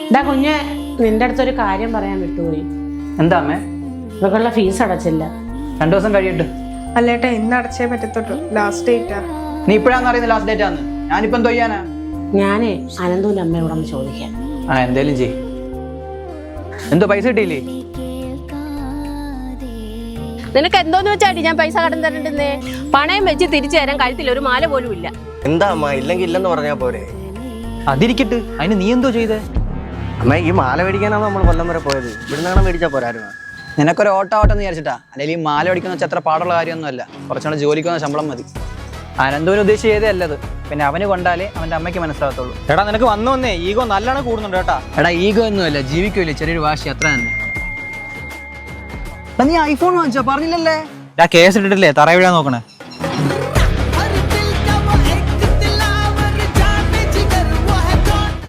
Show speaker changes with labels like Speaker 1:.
Speaker 1: ഇതാ കുഞ്ഞ്, നിന്റെ അടുത്തൊരു കാര്യം പറയാൻ വിട്ടുപോയി.
Speaker 2: എന്താ അമ്മേ?
Speaker 1: ഇവക്കുള്ള ഫീസ് അടച്ചില്ല.
Speaker 2: 2 ദിവസം കഴിയട്ടെ.
Speaker 3: അല്ലേട്ടാ, ഇന്ന് അടച്ചേ പറ്റത്തുള്ളൂ. ലാസ്റ്റ് ഡേറ്റാ.
Speaker 2: നീ ഇപ്പോഴാന്ന് അറിയുന്ന ലാസ്റ്റ് ഡേറ്റ് ആന്ന്. ഞാനിപ്പം എന്തോ ചെയ്യാനാ?
Speaker 1: ഞാനേ അനന്തുവിന്റെ അമ്മയോട് ഒന്ന് ചോദിക്കാം.
Speaker 2: എന്തേലും ചെയ്. എന്തോ പൈസ കിട്ടിയില്ലേ?
Speaker 4: നിനക്ക് എന്തോന്ന് വെച്ചാടി ഞാൻ പൈസ കടം തരണ്ടെന്നേ? പണയം വെച്ച് തിരിച്ചു തരാൻ കഴുത്തിൽ ഒരു മാല പോലും ഇല്ല.
Speaker 5: എന്താ അമ്മ, ഇല്ലെങ്കിൽ ഇല്ലെന്ന് പറഞ്ഞാ പോരെ?
Speaker 2: അതിരിക്കട്ട്, അതിന് നീ എന്തോ ചെയ്തേ?
Speaker 5: അമ്മ, ഈ മാല മേടിക്കാനാണ് നമ്മൾ കൊല്ലം വരെ പോയത്. ഇവിടുന്നാണ് മേടിച്ചാ പോരായിരുന്നു.
Speaker 2: നിനക്കൊരു ഓട്ടം വിചാരിച്ചിട്ടാ. അല്ലെങ്കിൽ ഈ മാല മേടിക്കുന്ന വെച്ചാൽ അത്ര പാടുള്ള കാര്യമൊന്നുമല്ല. കുറച്ചുകൂടെ ജോലിക്കുന്ന ശമ്പളം മതി. അനന്തൂന് ഉദ്ദേശിച്ച് ചെയ്തേ അല്ലത്. പിന്നെ അവന് കൊണ്ടാലേ അവന്റെ അമ്മയ്ക്ക് മനസ്സിലാകത്തുള്ളൂ.
Speaker 6: എടാ, നിനക്ക് വന്നേ ഈഗോ നല്ലോണം കൂടുന്നുണ്ട് കേട്ടാ.
Speaker 2: എടാ, ഈഗോ ഒന്നുമല്ല, ജീവിക്കൂല്ലേ ചെറിയൊരു വാശി, അത്ര തന്നെ. നീ ഐഫോൺ വാങ്ങിച്ചോ? പറഞ്ഞില്ലല്ലേ?
Speaker 6: കേസ് ഇട്ടിട്ടില്ലേ തറ വീഴാൻ നോക്കണേ?